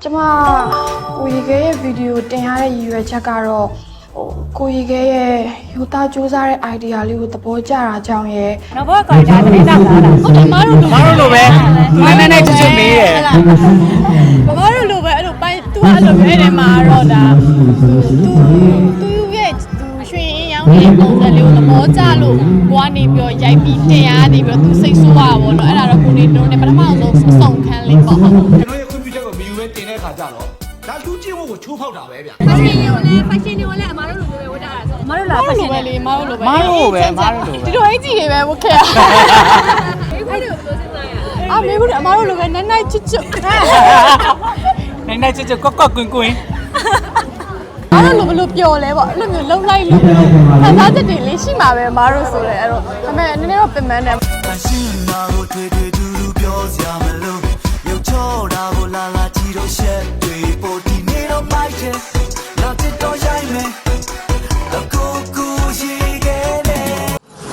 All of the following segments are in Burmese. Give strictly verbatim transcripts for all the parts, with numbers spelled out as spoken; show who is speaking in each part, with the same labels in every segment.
Speaker 1: ကျမကိုရီခဲရဲ့ဗီဒီယိုတင်ရတဲ့ရည်ရွယ်ချက်ကတော့ဟိုကိုရီခဲရဲ့ယူသားစူးစမ်းတဲ့ idea လေးကိုသဘောကျတာကြောင့်ရဲ့
Speaker 2: နောက်ဘောကွာဒါတင်းတော့လာတာဟုတ်တယ်မတို့လိုမတို့လိုပဲနည်းနည်းနဲ့ချွတ်ချွတ်မေးတယ်မမတို့လိုပဲအဲ့လိုပိုင်းသူကအဲ့လိုမျိုးနေမှာတော့ဒါသူသူရဲ့သူရွှေရင်ရောင်းတဲ့ပုံစံလေးကိုသဘောကျလို့ကိုကနေပြီးတော့ရိုက်ပြီးတင်ရနေပြီးတော့သူစိတ်ဆိုးပါဘောနော်အဲ့ဒါတော့ကိုနေတို့နဲ့ပထမဆုံးစုံခန်းလေးပေါ့ဟုတ်ကျွန်
Speaker 3: တော်ရဲ့ခွင့်ပြုချက်ကိုမယူဘဲတင်တဲ့ခါကြတော့ဒါလူကျင့်ဝတ်ကိုချိုးဖောက်တာပဲဗျာ
Speaker 4: fashion တွေကိုလည်း fashion တွေကိုလည်းအမားတို့လိုမျိုးပဲဝတ်ကြတာဆို
Speaker 2: မတို့လား fashion ပဲလေမတို့လိုပဲမတို့ပဲမတို့လိုပဲဒီလိုအင်ကြီးတွေပဲဝတ်ခဲ့ရ
Speaker 4: အဲ့ဒါကိုပြောစင်းစားရ
Speaker 2: အာမေဘူးအမားတို့လိုပဲနိုင်နိုင်ချွတ်ချွတ်နိုင်နိုင်ချွတ်ချွတ်ကော့ကော့ကွင်းကွင်းအဲ့လိုဘလို့ပျော်လဲပေါ့အဲ့လိုမျိုးလှုပ်လိုက်လို့ခံစားချက်တွေလေးရှိမှာပဲမားတို့ဆိုလဲအဲ့တော့ဒါပေမဲ့နည်းနည်းတော့ပင်ပန်းတယ်
Speaker 5: ရှိနာကိုတွေ့တွေ့တူတူပြောစရာမလိုရုပ်ချောတာကိုလာလာကြည့်တော့ရှက်တွေပိုဒီနေတော့မိုက်တယ်နောက်တစ်တော့ရိုက်မယ်အကူကူရှိခဲ့တယ်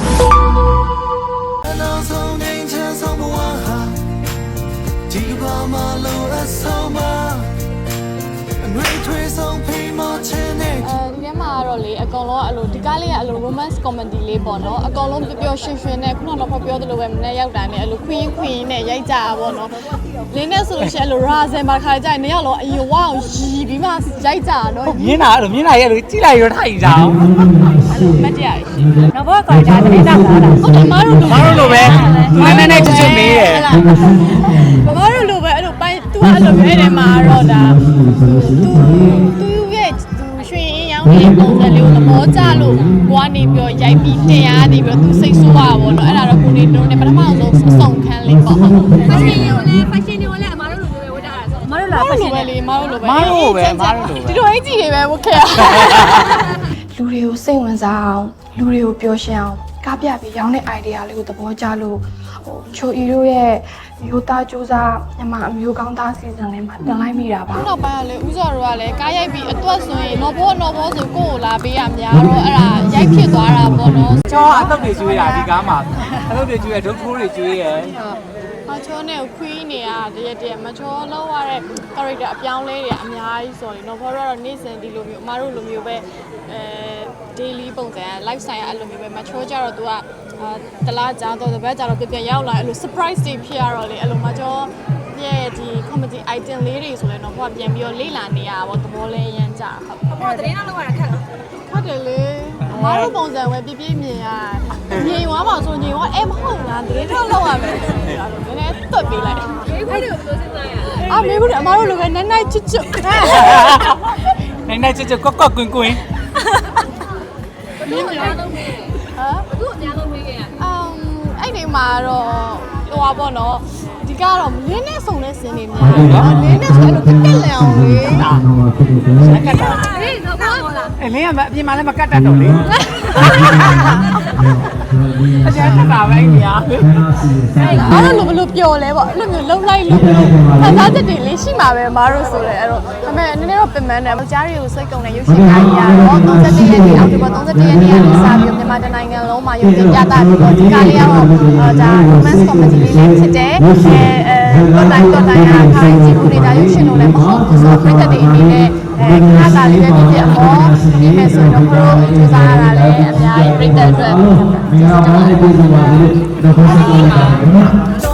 Speaker 5: အနောင်ဆုံးနေချမ်းဆုံးဘဝဟာဒီဘာမှလို့အဆုံးမအငွေထွေးဆုံးဖိမချင်နေ
Speaker 2: အဲဒီထဲမှာကတော့လေအကောင်လုံးကအဲ့လိုဒီကားလေးကအဲ့လို romance comedy လေးပေါ့နော်အကောင်လုံးပျော်ပျော်ရွှင်ရွှင်နဲ့ခုနကတော့ပြောသလိုပဲမနေ့ရောက်တာနဲ့အဲ့လို queen queen နဲ့ရိုက်ကြတာပေါ့နော်လင်းနဲ့ဆိုလို့ရှိရင်အဲ့လို razen ပါခါကြရင်နေရောက်တော့အရင်ဝအောင်ရီပြီးမှရိုက်ကြတာနော်
Speaker 6: မြင်းတာအဲ့လိုမြင်းတာရဲ့လိုကြည့်လိုက်ရထိုက်ကြအောင်
Speaker 2: အဲ့လိုမတ်တရားရှိနောက်ဘောကွာဒါတင်းတော့လာတာဟုတ်တယ်မတို့လို
Speaker 6: မတို့လိုပဲနည်းနည်းနဲ့ချွတ်ချွတ်မေးတယ်
Speaker 2: မမတို့လိုပဲအဲ့လိုပိုင်းသူကအဲ့လိုမျိုးနေမှာတော့ဒါသူသူရဲ့သူရွှေရင်ရောင်းတဲ့ပုံစံလေးကိုသဘောကျလို့ကိုကနေပြီးတော့ရိုက်ပြီးတင်ရနေပြီးတော့သူစိတ်ဆိုးပါဘောနော်အဲ့ဒါတော့ကိုနေတို့နဲ့ပထမဆုံးစုံခန်းလေးပေါ့ဟုတ်
Speaker 4: fashion တွေကိုလည်း fashion တွေကိုလည်းအမားတို့လိုမျိုးပဲဝတ်ကြတာဆို
Speaker 2: မတို့လား fashion ပဲလေမတို့လိုပဲ
Speaker 6: မတို့ပဲမတို့လိုပဲ
Speaker 2: ဒီလိုအင်ကြီးတွေပဲဝတ်ခဲ့ရ
Speaker 1: လူတွေကိုစိတ်ဝင်စားအောင်လူတွေကိုပျော်ရွှင်အောင်ကားပြပြီးရောင်းတဲ့ idea လေးကိုသဘောကျလို့ဟိုချိုအီတို့ရဲ့ယူသားစူးစမ်းညမအမျိုးကောင်းသားစီစဉ်လေးမှာတင်လိုက်မိတာပါ
Speaker 2: နောက်ပိုင်းကလေဥစော်တို့ကလည်းကားရိုက်ပြီးအတွက်ဆိုရင်တော့ဘောတော့ဘောဆိုကိုယ့်ကိုလာပေးရများတော့အဲ့ဒါရိုက်ဖြစ်သွားတာပေါ့နော်
Speaker 6: ချောအတုပ်တွေကျွေးတာဒီကားမှာအတုပ်တွေကျွေးရဒုတ်ထိုးတွေကျွေးရ
Speaker 2: မချောနဲ့ခွီးနေရတရက်တရက်မချောလောက်ရတဲ့ character အပြောင်းလဲတွေအများကြီးဆိုရင်တော့ဘောတော့နေ့စဉ်ဒီလိုမျိုးအမားတို့လိုမျိုးပဲအဲ daily ပုံစံ lifestyle အဲ့လိုမျိုးပဲမချောကြတော့ तू ကတလားကြာတော့တပတ်ကြာတော့ပြပြရောက်လာအဲ့လို surprise တွေဖြစ်ရတော့လေအဲ့လိုမချောရဲ့ဒီ comedy item လေးတွေဆိုရင်တော့ဘောပြန်ပြီးတော့လေ့လာနေရတာပေါ့သဘောလဲရမ်းကြဟုတ်
Speaker 4: ဘောတင်းတော့လောက်ရတာခက်လား
Speaker 2: ဟုတ်တယ်လေအမားတို့ပုံစံပဲပြပြမြင်ရငြိမ်သွားပါဆိုငြိမ်သွားအဲမဟုတ်လားတရင်တော့လောက်ရမယ်အဲ့လိုနည်းနည်းတွတ်ပေးလိုက်
Speaker 4: အဲ့ဒါကိုပြောစင်းစားရ
Speaker 2: အာမေဘူးအမားတို့လိုပဲနိုင်နိုင်ချွတ်ချွတ်
Speaker 6: နိုင်နိုင်ချွတ်ချွတ်ကော့ကော့ကွင်းကွင်း
Speaker 4: ဘယ်လိုအများဆုံးမေးဟာဘယ်လိုအများဆုံးမေးခဲ့ရ
Speaker 2: အမ်အဲ့ဒီမှာတော့ဟိုပါပေါ့နော်ဒီကတော့လင်းနဲ့စုံတဲ့စင်းနေများတယ်လင်းနဲ့ဆိုအဲ့လိုတက်တက်လန်အောင်လေ
Speaker 6: စက်ကတ်တာ
Speaker 4: ဟေးတော့ကောင်းလား
Speaker 6: အလင်းကအပြင်မှာလည်းမကတ်တတ်တော့လေအကျဉ်းတာပဲနေရ
Speaker 2: အဲ့လိုဘလို့ပျော်လဲပေါ့အဲ့လိုမျိုးလှုပ်လိုက်လို့ခံစားချက်တွေလေးရှိမှာပဲမားတို့ဆိုလဲအဲ့တော့ဒါပေမဲ့နည်းနည်းတော့ပင်ပန်းတယ်ကြားတွေကိုစိတ်ကုန်တဲ့ရုပ်ရှင်ကားကြီးရတော့သုံး၁၁ရက်နေ့အောက်တိုဘာသုံး၁၁ရက်နေ့ကနေစပြီးမြန်မာတိုင်းနိုင်ငံလုံးမှာရုပ်ရှင်ပြသပြီးတော့ဒီကားလေးကတော့ဒါ romance comedy လေးလေးဖြစ်တယ်အဲတော့တိုင်းတော့တိုင်းအားခိုင်းကြည့်လို့နေတာရုပ်ရှင်လို့လည်းမဟုတ်ဘူးဆိုတော့ပြည်သက်တွေအနေနဲ့အဲခါသာလေးပဲဖြစ်ဖြစ်အမောဒီမဲ့ဆိုတော့ဘရိုစူးစမ်းရတာလည်းအများကြီးပြည်သက်အတွက်ကျေးဇူးတင်ပါတယ်